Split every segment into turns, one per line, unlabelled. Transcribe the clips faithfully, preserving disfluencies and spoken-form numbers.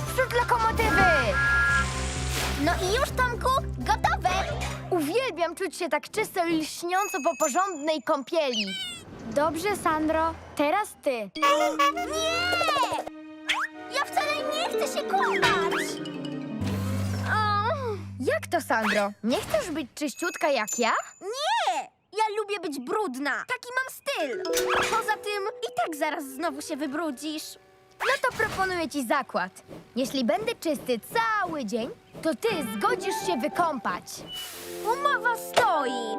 Naprzód lokomotywy!
No i już, Tomku, gotowe!
Uwielbiam czuć się tak czysto i lśniąco po porządnej kąpieli. Dobrze, Sandro, teraz ty.
Nie! Ja wcale nie chcę się kąpać!
Jak to, Sandro? Nie chcesz być czyściutka jak ja?
Nie! Ja lubię być brudna. Taki mam styl. Poza tym i tak zaraz znowu się wybrudzisz.
No to proponuję ci zakład. Jeśli będę czysty cały dzień, to ty zgodzisz się wykąpać.
Umowa stoi.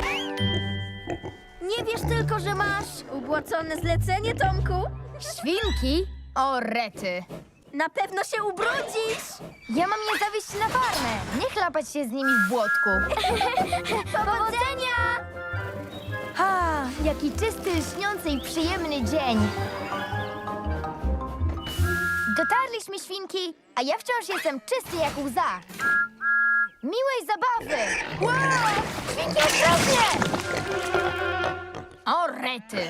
Nie wiesz tylko, że masz ubłocone zlecenie, Tomku?
Świnki? O rety.
Na pewno się ubrudzisz.
Ja mam je zawieźć na farmę. Nie chlapać się z nimi w błotku.
Powodzenia!
Ha, jaki czysty, lśniący i przyjemny dzień. Dotarliśmy, świnki, a ja wciąż jestem czysty jak łza. Miłej zabawy! Wow! Świnki, ostrożnie! O rety!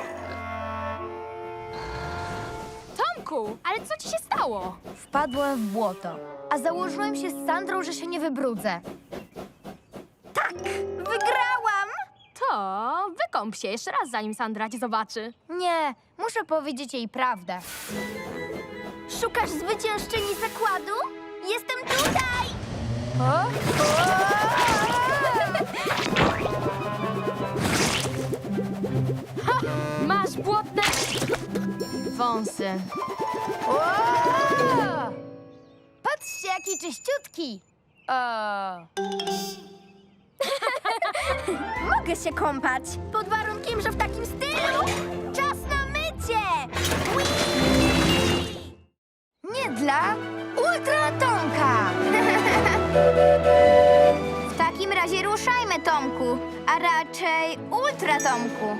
Tomku, ale co ci się stało?
Wpadłem w błoto, a założyłem się z Sandrą, że się nie wybrudzę.
Tak, wygrałam!
To wykąp się jeszcze raz, zanim Sandra cię zobaczy.
Nie, muszę powiedzieć jej prawdę.
Szukasz zwyciężczyni zakładu? Jestem tutaj!
O? O!
Masz błotne wąsy.
O! Patrzcie, jaki czyściutki! O!
Mogę się kąpać, pod warunkiem, że w takim stylu. Czas na mycie!
Nie dla Ultratonka!
W takim razie ruszajmy, Tomku, a raczej Ultra Tomku.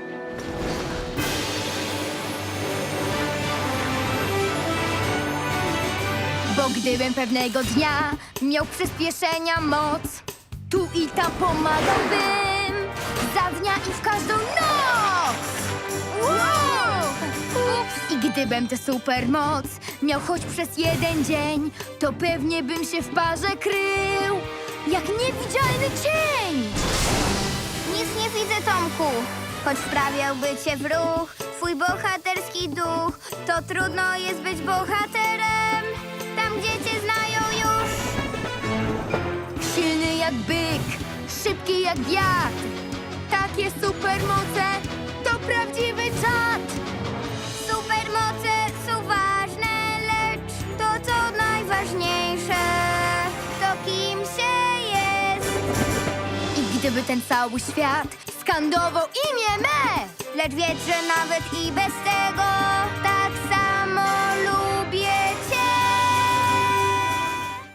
Bo gdybym pewnego dnia miał przyspieszenia moc, tu i tam pomagałbym za dnia i w każdą noc! Wow! Ups! I gdybym tę supermoc miał choć przez jeden dzień, to pewnie bym się w parze krył jak niewidzialny cień!
Nic nie widzę, Tomku. Choć wprawiałby cię w ruch twój bohaterski duch, to trudno jest być bohaterem tam, gdzie cię znają już.
Silny jak byk, szybki jak wiatr. Takie supermoce to prawdziwy czad.
Supermoce są ważne, lecz to, co najważniejsze, to kim się jest.
I gdyby ten cały świat skandował imię me,
Lecz wiedz, że nawet i bez tego